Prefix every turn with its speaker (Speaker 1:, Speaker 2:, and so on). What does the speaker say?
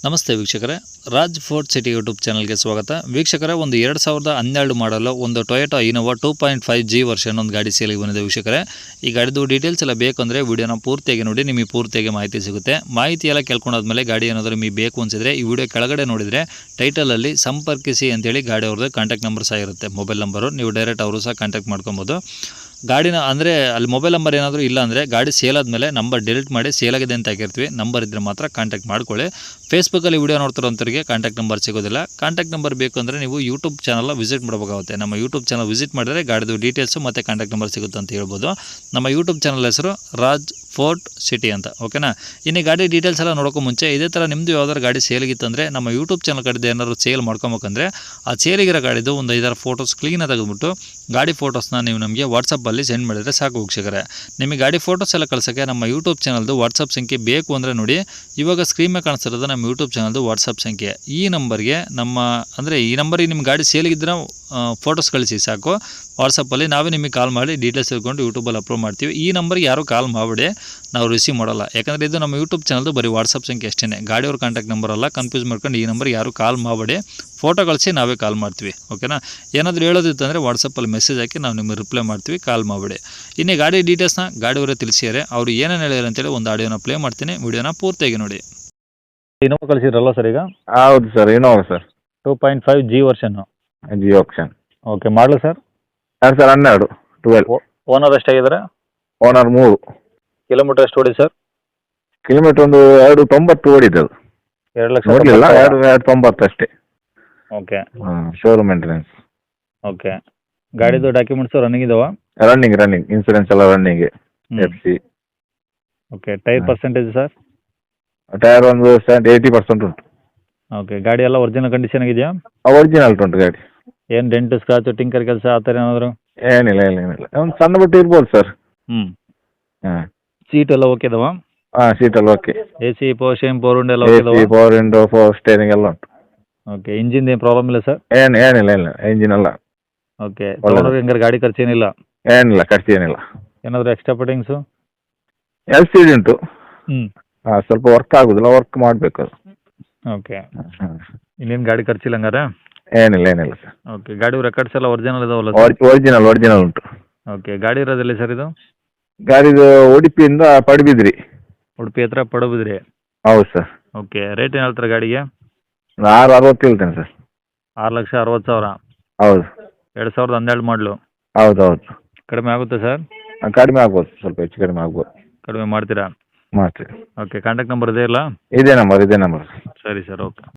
Speaker 1: ನಮಸ್ತೆ ವೀಕ್ಷಕರೇ, Raj fort city YouTube ಚಾನಲ್ಗೆ ಸ್ವಾಗತ. ವೀಕ್ಷಕರೇ, ಒಂದು 2012 ಮಾಡಲು ಒಂದು ಟೊಯೋಟಾ ಇನೋವಾ 2.5G ವರ್ಷನ್ ಒಂದು ಗಾಡಿ ಸೇಲಿಗೆ ಬಂದಿದೆ. ವೀಕ್ಷಕರೇ, ಈ ಗಾಡಿದು ಡೀಟೇಲ್ಸ್ ಎಲ್ಲ ಬೇಕು ಅಂದರೆ ವಿಡಿಯೋನ ಪೂರ್ತಿಯಾಗಿ ನೋಡಿ, ನಿಮಗೆ ಪೂರ್ತಿಯಾಗಿ ಮಾಹಿತಿ ಸಿಗುತ್ತೆ. ಮಾಹಿತಿ ಎಲ್ಲ ಕೇಳ್ಕೊಂಡಾದ್ಮೇಲೆ ಗಾಡಿ ಏನಾದರೂ ನಿಮಗೆ ಬೇಕು ಅನಿಸಿದ್ರೆ ಈ ವಿಡಿಯೋ ಕೆಳಗಡೆ ನೋಡಿದರೆ ಟೈಟಲಲ್ಲಿ ಸಂಪರ್ಕಿಸಿ ಅಂತೇಳಿ ಗಾಡಿ ಅವ್ರದ್ದು ಕಾಂಟ್ಯಾಕ್ಟ್ ನಂಬರ್ ಸಹ ಇರುತ್ತೆ, ಮೊಬೈಲ್ ನಂಬರು. ನೀವು ಡೈರೆಕ್ಟ್ ಅವರು ಸಹ ಕಾಂಟ್ಯಾಕ್ಟ್ ಮಾಡ್ಕೊಬೋದು. ಗಾಡಿನ ಅಂದರೆ ಅಲ್ಲಿ ಮೊಬೈಲ್ ನಂಬರ್ ಏನಾದರೂ ಇಲ್ಲ ಅಂದರೆ ಗಾಡಿ ಸೇಲ್ ಆದಮೇಲೆ ನಂಬರ್ ಡಿಲೀಟ್ ಮಾಡಿ ಸೇಲಾಗಿದೆ ಅಂತ ಹಾಕಿರ್ತೀವಿ. ನಂಬರ್ ಇದ್ದರೆ ಮಾತ್ರ ಕಾಂಟ್ಯಾಕ್ಟ್ ಮಾಡ್ಕೊಳ್ಳಿ. ಫೇಸ್ಬುಕ್ಕಲ್ಲಿ ವಿಡಿಯೋ ನೋಡ್ತಿರೋಂಥವ್ರಿಗೆ ಕಾಂಟ್ಯಾಕ್ಟ್ ನಂಬರ್ ಸಿಗೋದಿಲ್ಲ. ಕಾಂಟ್ಯಾಕ್ಟ್ ನಂಬರ್ ಬೇಕು ಅಂದರೆ ನೀವು ಯೂಟ್ಯೂಬ್ ಚಾನಲ್ ವಿಸಿಟ್ ಮಾಡಬೇಕಾಗುತ್ತೆ. ನಮ್ಮ ಯೂಟ್ಯೂಬ್ ಚಾನಲ್ ವಿಸಿಟ್ ಮಾಡಿದ್ರೆ ಗಾಡಿದು ಡೀಟೇಲ್ಸು ಮತ್ತು ಕಾಂಟ್ಯಾಕ್ಟ್ ನಂಬರ್ ಸಿಗುತ್ತೆ ಅಂತ ಹೇಳ್ಬೋದು. ನಮ್ಮ ಯೂಟ್ಯೂಬ್ ಚಾನಲ್ ಹೆಸರು ರಾಜ್ ಫೋರ್ಟ್ ಸಿಟಿ ಅಂತ, ಓಕೆನಾ. ಇನ್ನು ಗಾಡಿ ಡೀಟೇಲ್ಸ್ ಎಲ್ಲ ನೋಡೋಕ್ಕೂ ಮುಂಚೆ ಇದೇ ಥರ ನಿಮ್ಮದು ಯಾವ್ದಾದ್ರು ಗಾಡಿ ಸೇಲಿಗಿತ್ತಂದರೆ ನಮ್ಮ ಯೂಟ್ಯೂಬ್ ಚಾನಲ್ ಕಡೆದು ಏನಾದ್ರು ಸೇಲ್ ಮಾಡ್ಕೊಬೇಕಂದ್ರೆ ಆ ಸೇಲಿಗಿರೋ ಗಾಡಿದು ಒಂದು 5-6 ಫೋಟೋಸ್ ಕ್ಲೀನಾಗಿ ತೆಗೆದುಬಿಟ್ಟು ಗಾಡಿ ಫೋಟೋಸ್ನ ನೀವು ನಮಗೆ ವಾಟ್ಸಪ್ಪಲ್ಲಿ ಸೆಂಡ್ ಮಾಡಿದರೆ ಸಾಕು ವೀಕ್ಷಕರೇ. ನಿಮಗೆ ಗಾಡಿ ಫೋಟೋಸ್ ಎಲ್ಲ ಕಳ್ಸೋಕ್ಕೆ ನಮ್ಮ ಯೂಟ್ಯೂಬ್ ಚಾನಲ್ದು ವಾಟ್ಸಪ್ ಸಂಖ್ಯೆ ಬೇಕು ಅಂದರೆ ನೋಡಿ, ಇವಾಗ ಸ್ಕ್ರೀನ್ ಮೇಲೆ ಕಾಣಿಸ್ತಿರೋದು ನಮ್ಮ ಯೂಟ್ಯೂಬ್ ಚಾನಲ್ದು ವಾಟ್ಸಪ್ ಸಂಖ್ಯೆ. ಈ ನಂಬರ್ಗೆ ಈ ನಂಬರಿಗೆ ನಿಮ್ಮ ಗಾಡಿ ಸೇಲಿಗಿದ್ರೆ ಫೋಟೋಸ್ ಕಳಿಸಿ ಸಾಕು. ವಾಟ್ಸಪ್ಪಲ್ಲಿ ನಾವೇ ನಿಮಗೆ ಕಾಲ್ ಮಾಡಿ ಡೀಟೇಲ್ಸ್ ತಿಳ್ಕೊಂಡು ಯೂಟ್ಯೂಬಲ್ಲಿ ಅಪ್ಲೋಡ್ ಮಾಡ್ತೀವಿ. ಈ ನಂಬರ್ಗೆ ಯಾರೂ ಕಾಲ್ ಮಾಡಿಬಿಡಿ, ನಾವು ರಿಸೀವ್ ಮಾಡಲ್ಲ. ಯಾಕಂದರೆ ಇದು ನಮ್ಮ ಯೂಟ್ಯೂಬ್ ಚಾನಲ್ದು ಬರೀ ವಾಟ್ಸಪ್ ಸಂಖ್ಯೆ ಅಷ್ಟೇ, ಗಾಡಿಯವ್ರ ಕಾಂಟ್ಯಾಕ್ಟ್ ನಂಬರ್ ಅಲ್ಲ. ಕನ್ಫ್ಯೂಸ್ ಮಾಡ್ಕೊಂಡು ಈ ನಂಬರ್ಗೆ ಯಾರೂ ಕಾಲ್ ಮಾಡಬೇಡಿ, ಫೋಟೋ ಕಳಿಸಿ ನಾವೇ ಕಾಲ್ ಮಾಡ್ತೀವಿ, ಓಕೆನಾ. ಏನಾದರೂ ಹೇಳೋದಿತ್ತಂದರೆ ವಾಟ್ಸಪ್ಪಲ್ಲಿ ಮೆಸೇಜ್ ಹಾಕಿ ನಾವು ನಿಮಗೆ ರಿಪ್ಲೈ ಮಾಡ್ತೀವಿ, ಕಾಲ್ ಮಾಡಬೇಡಿ. ಇನ್ನು ಗಾಡಿ ಡೀಟೇಲ್ಸ್ನ ಗಾಡಿಯವರೇ ತಿಳಿಸಿದ್ದಾರೆ. ಅವರು ಏನೇನು ಹೇಳಿದ್ರು ಅಂತೇಳಿ ಒಂದು ಆಡಿಯೋನ ಪ್ಲೇ ಮಾಡ್ತೀನಿ, ವಿಡಿಯೋನ ಪೂರ್ತಿಯಾಗಿ ನೋಡಿ. ಇನೋವಾ ಕಳಿಸಿದ್ರಲ್ಲ ಸರ್ ಈಗ?
Speaker 2: ಹೌದು ಸರ್, ಇನೋವಾ ಸರ್.
Speaker 1: 2.5G ವರ್ಷನ್ನು.
Speaker 2: G option.
Speaker 1: ಓಕೆ, ಮಾಡಲು ಸರ್?
Speaker 2: 2012.
Speaker 1: ಓನರ್ ಎಷ್ಟಾಗಿದ್ದಾರೆ?
Speaker 2: ಓನರ್ 3.
Speaker 1: ಕಿಲೋಮೀಟರ್ ಎಷ್ಟು ಓಡಿ ಸರ್?
Speaker 2: ಕಿಲೋಮೀಟರ್ ಒಂದು 290 ಓಡಿದ್ದದು.
Speaker 1: 2,90,000
Speaker 2: ನೋಡಲಿಲ್ಲ, 290 ಅಷ್ಟೇ.
Speaker 1: ಓಕೆ.
Speaker 2: Showroom maintenance.
Speaker 1: ಓಕೆ. ಗಾಡಿದು ಡಾಕ್ಯುಮೆಂಟ್ಸು ರನ್ನಿಂಗ್ ಇದಾವ?
Speaker 2: ರನ್ನಿಂಗ್ ಇನ್ಸೂರೆನ್ಸ್ ಎಲ್ಲ running. FC.
Speaker 1: Okay. Tyre percentage sir?
Speaker 2: Tyre ಒಂದು 80% ಉಂಟು.
Speaker 1: ಓಕೆ. ಗಾಡಿ ಎಲ್ಲ ಒರಿಜಿನಲ್ ಕಂಡೀಷನ್ ಆಗಿದೆಯಾ?
Speaker 2: ಒರಿಜಿನಲ್ ಉಂಟು ಗಾಡಿ.
Speaker 1: ಏನು ಡೆಂಟು, ಸ್ಕ್ರಾಚು, ಟಿಂಕರ್ ಕೆಲಸ ಆ ಥರ ಏನಾದರೂ?
Speaker 2: ಏನಿಲ್ಲ. ಒಂದು ಸಣ್ಣ ಬಿಟ್ಟು ಇರ್ಬೋದು ಸರ್. ಹಾಂ.
Speaker 1: ಸೀಟ್ ಎಲ್ಲ ಓಕೆ ಇದಾವ?
Speaker 2: ಸೀಟಲ್ಲಿ okay.
Speaker 1: AC, power steering, power window ಎಲ್ಲ ಓಕೆ ಇದಾವ?
Speaker 2: ಪವರ್ ವಿಂಡೋ, ಪವರ್ ಸ್ಟೇರಿಂಗ್ ಎಲ್ಲ ಉಂಟು.
Speaker 1: ಓಕೆ. ಇಂಜಿನ್ ಏನು ಪ್ರಾಬ್ಲಮ್ ಇಲ್ಲ ಸರ್?
Speaker 2: ಏನಿಲ್ಲ ಇಂಜಿನ್ ಎಲ್ಲ
Speaker 1: ಓಕೆ. ತೊಗೊಂಡ್ರೆ ಹೆಂಗಾರೆ ಗಾಡಿ ಖರ್ಚು ಏನಿಲ್ಲ?
Speaker 2: ಏನಿಲ್ಲ, ಖರ್ಚು ಏನಿಲ್ಲ.
Speaker 1: ಏನಾದರೂ ಎಕ್ಸ್ಟ್ರಾ ಫಿಟ್ಟಿಂಗ್ಸು?
Speaker 2: LCD ಉಂಟು. ಸ್ವಲ್ಪ ವರ್ಕ್ ಆಗೋದಿಲ್ಲ, ವರ್ಕ್ ಮಾಡಬೇಕು ಅದು.
Speaker 1: ಓಕೆ. ಇನ್ನೇನು ಗಾಡಿ ಖರ್ಚಿಲ್ಲ ಹಂಗಾರೆ?
Speaker 2: ಏನಿಲ್ಲ ಸರ್.
Speaker 1: ಓಕೆ. ಗಾಡಿ ರೆಕಾರ್ಡ್ಸ್ ಎಲ್ಲ ಒರಿಜಿನಲ್ ಇದಾವಲ್ಲ ಸರ್?
Speaker 2: ಒರಿಜಿನಲ್ ಉಂಟು.
Speaker 1: ಓಕೆ. ಗಾಡಿ ಇರೋದಿಲ್ಲ ಸರ್ ಇದು?
Speaker 2: ಗಾಡಿದು ಉಡುಪಿಯಿಂದ ಪಡುಬಿದ್ರಿ.
Speaker 1: ಉಡುಪಿ ಹತ್ರ ಪಡುಬಿದ್ರಿ?
Speaker 2: ಹೌದು ಸರ್.
Speaker 1: ಓಕೆ. ರೇಟ್ ಏನು ಹೇಳ್ತಾರೆ ಗಾಡಿಗೆ?
Speaker 2: 660 ಹೇಳ್ತೇನೆ ಸರ್.
Speaker 1: 6,60,000?
Speaker 2: ಹೌದು.
Speaker 1: 2012 ಮಾಡಲು?
Speaker 2: ಹೌದು.
Speaker 1: ಕಡಿಮೆ ಆಗುತ್ತೆ ಸರ್?
Speaker 2: ಕಡಿಮೆ ಆಗ್ಬೋದು, ಸ್ವಲ್ಪ ಹೆಚ್ಚು ಕಡಿಮೆ ಆಗ್ಬೋದು.
Speaker 1: ಕಡಿಮೆ ಮಾಡ್ತೀರಾ?
Speaker 2: ಮಾಡ್ತೀವಿ.
Speaker 1: ಓಕೆ. ಕಾಂಟ್ಯಾಕ್ಟ್ ನಂಬರ್ ಇದೆ ಇಲ್ಲ?
Speaker 2: ಇದೇ ನಂಬರ್.
Speaker 1: ಸರಿ ಸರ್, ಓಕೆ.